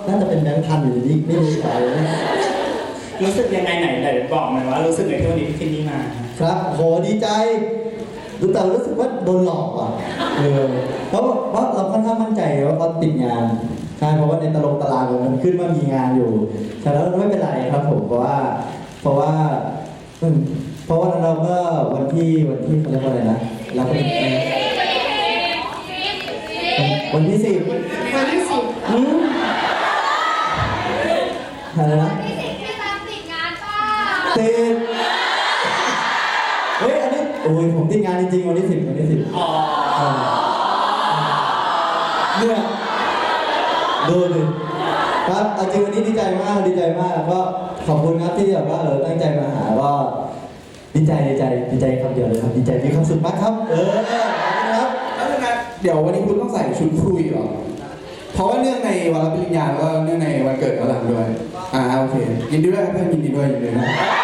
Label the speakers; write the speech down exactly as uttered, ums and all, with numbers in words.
Speaker 1: น่าจะเป็นแบงค์พันอยู่ดีไม่รู้ใจ
Speaker 2: รู้สึกยังไงไหนไหนบอกหน่อยว่ารู้สึกในที่วันนี้ที่นี่มา
Speaker 1: ครับโหดีใจรู้แต่รู้สึกว่าโดนหลอกอ่ะเออเพราะเพราะเราค่อนข้างมั่นใจว่าเขาติดงานใช่เพราะว่าในตารางตารางมันขึ้นว่ามีงานอยู่แต่แล้วไม่เป็นไรครับผมเพราะว่าเพราะว่าเพราะว่าเราก็วันที่วันที่เขาเรียกว่าอะไรนะเราก็วันที่สิบ
Speaker 3: วันที่สิบ
Speaker 1: อืมอะไรนะ
Speaker 3: วันที่สิบแค่ตามติดงานป่ะ
Speaker 1: ติดเฮ้ยอันนี้โอ้ยผมติดงานจริงๆวันที่สิบวันที่สิบอ๋อเนี่ยดูดิครับจริงวันนี้ดีใจมากดีใจมากก็ขอบคุณครับที่แบบว่าเออตั้งใจมาหาก็ดีใจดีใจดีใจคำเดียวเลยครับดีใจมีความสุขมากครับเออครับ
Speaker 4: แล้วยังไงเดี๋ยววันนี้คุณต้องใส่ชุดคุยเหรอเพราะว่าเนื่องในวันรับปริญญาแล้วก็เนื่องในวันเกิดของหลังด้วยอ่าโอเคยินดีด้วยครับเพื่อนยินดีด้วยยินดีด้วย